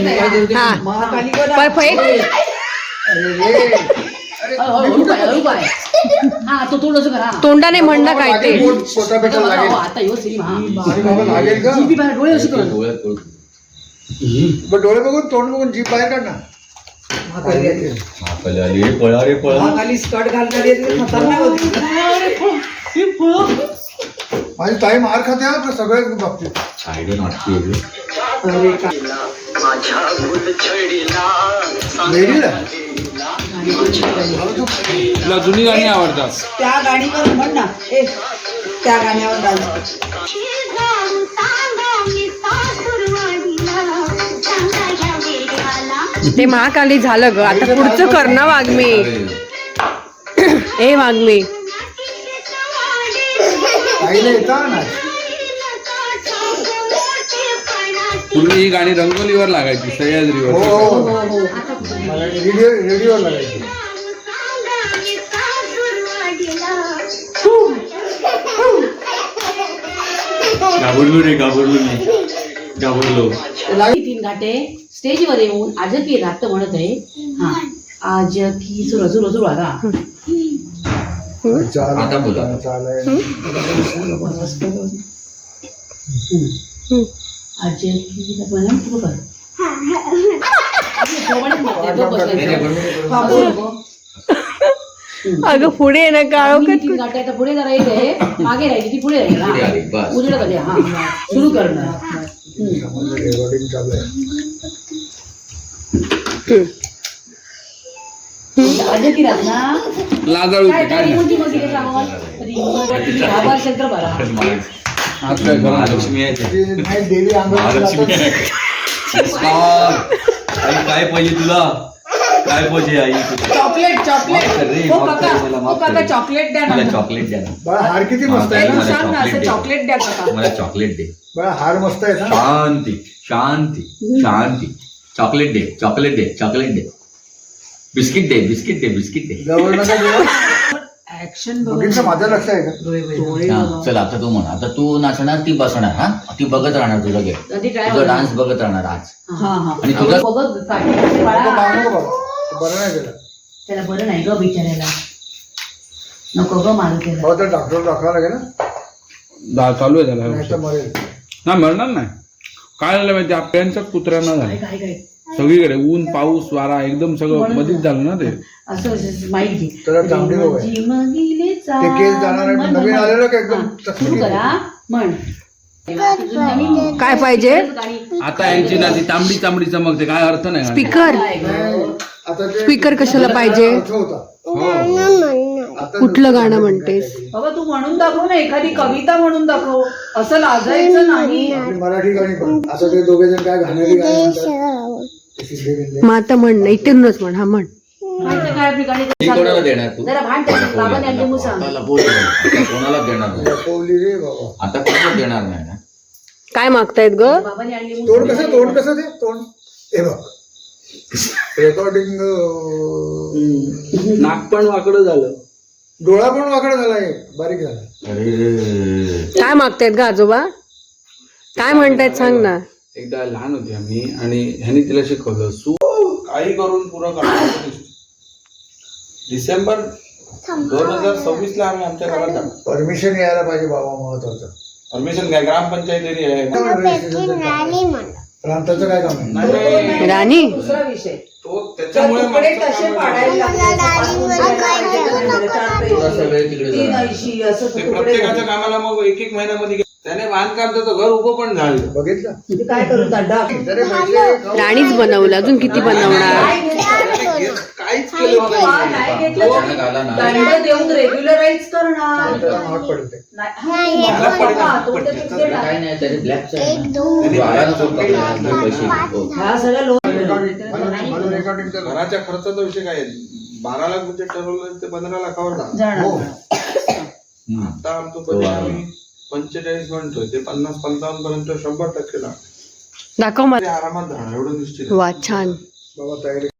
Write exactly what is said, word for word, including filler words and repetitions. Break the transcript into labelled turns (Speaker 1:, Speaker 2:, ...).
Speaker 1: Perfect. तोंडाने म्हणणं काय ते.
Speaker 2: डोळे बघून तोंड बघून जीभ बाहेर काढ ना. स्कर्ट घालणारी खतरनाक होती. माझी ताई मार खाते हा सगळ्याच बाबतीत.
Speaker 3: तुला जुनी गाणी आवडतात.
Speaker 2: त्या गाणीवर म्हण ना. ए त्या गाण्यावर डान्स.
Speaker 1: ते महाकाली झालं ग. आता पुढचं कर ना वाग्मी. ए वाग्मी
Speaker 3: पूर्वी ही गाणी रंगोलीवर लागायची, सह्याद्रीवर.
Speaker 2: रेडिओवर लागायची.
Speaker 3: घाबरलो रे घाबरलो नाही घाबरलो.
Speaker 4: तीन घाटे स्टेजवर येऊन आज की रात म्हणत आहे. हा आज की सुरू सुरू सुरू आता
Speaker 3: आता बोला.
Speaker 4: आज की सुरू कर.
Speaker 1: अगं पुढे आहे ना काळो
Speaker 4: तीन घाटे आता पुढे राहायचंय. मागे राहायची ती पुढे राहील. हा उजड कधी हा सुरू करणार. आज की रात ना
Speaker 3: लाजाळू
Speaker 4: काय काय मुंजी मुंजी के सांगू. आभार क्षेत्र भरा.
Speaker 3: आज काय खरं
Speaker 5: महालक्ष्मी आहे.
Speaker 2: देवी
Speaker 5: महालक्ष्मी आहे. काय पाहिजे तुला, काय पाहिजे आई?
Speaker 4: चॉकलेट चॉकलेट हो काका हो काका चॉकलेट द्या ना.
Speaker 5: मला चॉकलेट द्या ना.
Speaker 2: बळा हार किती मस्त आहे ना.
Speaker 4: सांग ना असं चॉकलेट द्या काका.
Speaker 5: मला चॉकलेट दे.
Speaker 2: बळा हार मस्त आहे ना.
Speaker 5: शांती शांती शांती. चॉकलेट दे चॉकलेट दे चॉकलेट दे. बिस्किट दे बिस्किट दे बिस्किट दे.
Speaker 2: जवळ नका जेव्हा
Speaker 4: ऍक्शन
Speaker 2: बघितलं माझं लक्ष आहे का.
Speaker 5: हा, चल आता तू म्हण. आता तू नाचणार, ती बसणार. हा ती बघत राहणार तुझं गेम. तुझा डान्स बघत राहणार आज.
Speaker 4: हा हा
Speaker 5: आणि तुझा
Speaker 2: नको मारू नको बाबा. बरं नाही केलं.
Speaker 4: त्याला बरं नाही ग बिचारायला. नको ग मारू त्याला.
Speaker 2: हो तर डॉक्टर दाखवावं लागेल ना.
Speaker 3: दा चालू आहे त्याला.
Speaker 2: नाही तर मरेल.
Speaker 3: नाही मरणार नाही. काय झालं माहिती, आपल्याच्याच कुत्र्यांना झालं
Speaker 4: काय काय
Speaker 3: सगळीकडे. ऊन पाऊस वारा एकदम सगळं मध्येच झालं ना ते.
Speaker 4: असं माहिती
Speaker 2: त्याला चांगली बघ आहे. ते केस जाणार आहे. नवीन आलेलं का एकदम
Speaker 4: सुरू करा म्हण.
Speaker 1: काय पाहिजे.
Speaker 3: आता यांची ना ती तांबडी तांबडी चमकते, काय अर्थ नाही.
Speaker 1: स्पीकर
Speaker 2: आता ते
Speaker 1: स्पीकर कशाला पाहिजे.
Speaker 2: अर्थ होता. आता
Speaker 1: कुठलं गाणं म्हणतेस.
Speaker 4: बाबा तू म्हणून दाखव ना, एखादी कविता म्हणून दाखव. असं लाजायचं नाही.
Speaker 2: आपली मराठी गाणी पण. आता ते दोघे जण काय घाणेरी गाणी म्हणतात. ते सिद्धे बिंदे.
Speaker 1: मग आता म्हण ना. इथूनच म्हण. हा म्हण.
Speaker 4: माहिती काय आपली गाणी.
Speaker 5: ती कोणाला देणार तू?
Speaker 4: जरा भांड त्याच्यात. बाबाने आणली मुसा.
Speaker 5: आता लपवली. आता कोणाला देणार नाही.
Speaker 2: लपवली रे बाबा.
Speaker 5: आता कोणाला देणार नाही ना.
Speaker 1: काय मागतायत ग.
Speaker 4: बाबाने आणली
Speaker 2: तोंड
Speaker 4: मुसा.
Speaker 2: कसं तोंड कसं ते तोंड. हे बघ रेकॉर्डिंग.
Speaker 3: नाक पण वाकडं झालं.
Speaker 2: डोळा पण वाकडा झालाय. बारीक झाला.
Speaker 5: अरे
Speaker 1: काय मागतायत ग आजोबा. काय म्हणतायत सांग ना.
Speaker 3: एकदा लहान होती आम्ही आणि ह्यानी तिला शिकवलं, सू काही करून पुरं करणार. डिसेंबर दोन हजार सव्वीस ला आम्ही आमच्या घरात आलो.
Speaker 2: परमिशन यायला पाहिजे बाबा, महत्वाचं.
Speaker 3: परमिशन काय, ग्रामपंचायत एरिया आहे.
Speaker 2: प्रांताचं काय काम आहे.
Speaker 3: नाही,
Speaker 1: राणी
Speaker 4: दुसरा विषय.
Speaker 3: तो त्याच्यामुळे
Speaker 4: तुकडे तसे पाडायला
Speaker 5: थोडासा वेळ तिकडे
Speaker 4: तीन
Speaker 5: जाणार.
Speaker 4: ऐंशी असं
Speaker 3: ते
Speaker 4: तुकडे.
Speaker 3: प्रत्येकाच्या कामाला मग एक एक महिन्यामध्ये गे- त्याने बांधकाम त्याचं घर उभं पण झालं.
Speaker 2: बघितलं
Speaker 4: ते काय करू दादा.
Speaker 2: तरी पैसे
Speaker 1: राणीच बनवलं. अजून किती बनवणार.
Speaker 3: काहीच केलं नाही.
Speaker 4: नाही घेतलं
Speaker 5: अचानक आला ना.
Speaker 4: दंड देऊन रेग्युलराईज करणार.
Speaker 2: त्याला महाग पडते.
Speaker 4: नाही, हा, बाबा, तो तर तिथे देणार.
Speaker 5: काय नाही त्याने ब्लॅक आला ना तो पकडला, आपले पैसे हो.
Speaker 4: हा सगळं लोन.
Speaker 2: मला रेकॉर्डिंग कर.
Speaker 3: घराच्या खर्चाचा विषय काय आहे? बारा लाख म्हणजे ठरवलं ते पंधरा लाखावर जाणार.
Speaker 4: जाणार.
Speaker 2: हो.
Speaker 5: हम्म.
Speaker 3: आता आमचं बजेट आम्ही पंचेचाळीस म्हणतोय, ते पन्नास पंचावन्न पर्यंत शंभर टक्के लागणार.
Speaker 1: दाखव मला.
Speaker 3: आरामात जाणार एवढं निश्चित आहे.
Speaker 1: वा छान.
Speaker 2: बाबा तयारी